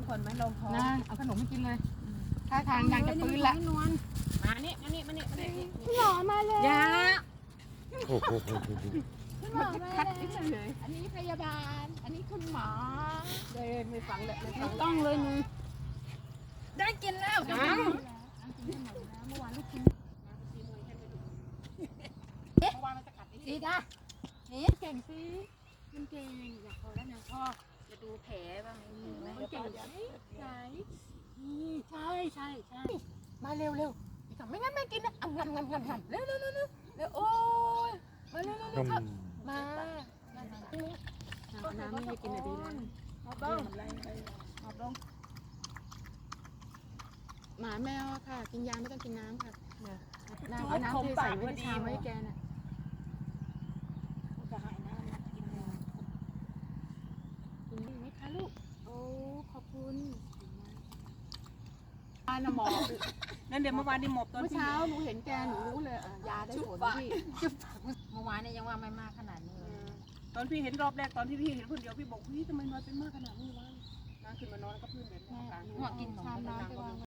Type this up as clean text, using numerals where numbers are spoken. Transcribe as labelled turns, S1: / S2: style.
S1: คนไหมลงท้อง
S2: นะเอาขนมให้กินเลยท่าทางยังจะฟื้นละ
S1: มานี่มานี่มานี่มานี่
S2: คุณหมอมาเลย
S1: ยา
S2: คุณหมอมา
S1: คัด
S2: เลย
S1: นิดเลย
S2: อันนี้พยาบาลอันนี้คุณหมอ
S1: เลยไม่ฟังเลยไม่ฟั
S2: ไม่
S1: ง
S2: ต้องเลยมึง
S1: ได้กินแล้ว
S2: เมื่
S1: จัง
S2: อวานลูกชิ้น
S1: เมื่อวานมันจะกัดนี่
S2: สีดานี่เก่งสิมันเก่งอยากพอแล้วนะพ่อ
S1: จะดูแผลบ้างไหม
S2: มันเก่งใช่ใช่ใช่ใช่ใช่มาเร็วเร็วอีกสองไม่งั้นไม่กินนะอ่ำงำงำงำงำเร็วเร็วเร็วเร็วเร็วโอ้ยมาเร็วเร็วเร็วครับมาน้ำไม่ให้กินอะดีแล้ว
S1: เอาบ้างเอาบ้าง
S2: หมาแมวค่ะกินยาไม่ต้องกินน้ำค่ะน้ำเอาน้ำที่ใส่ไว้ในชามไว้ให้แกน่ะ
S1: จะหายน้ำกินแล้ว
S2: กินได้ไหมคะลูกโอ้ขอบคุณยาหมอ
S1: นั่นเดี๋ยวเมื่อวานนี่หมบตอน
S2: เมื่อ
S1: ที่
S2: เช้าหนูเห็นแกหนูรู้เลยยาได้ผลพี่
S1: เมื่อวานเนี่ยยังว่าไม่มากขนาดนี้เลย
S3: ตอนพี่เห็นรอบแรกตอนที่พี่เห็นคนเดียวพี่บอกเฮ้ยทำไมมาเป็นมากขนาดนี้วะนั่งขึ้นมานอนแล้วก็พื้นแบบนี้
S2: แม่กินชามน้ำไปวาง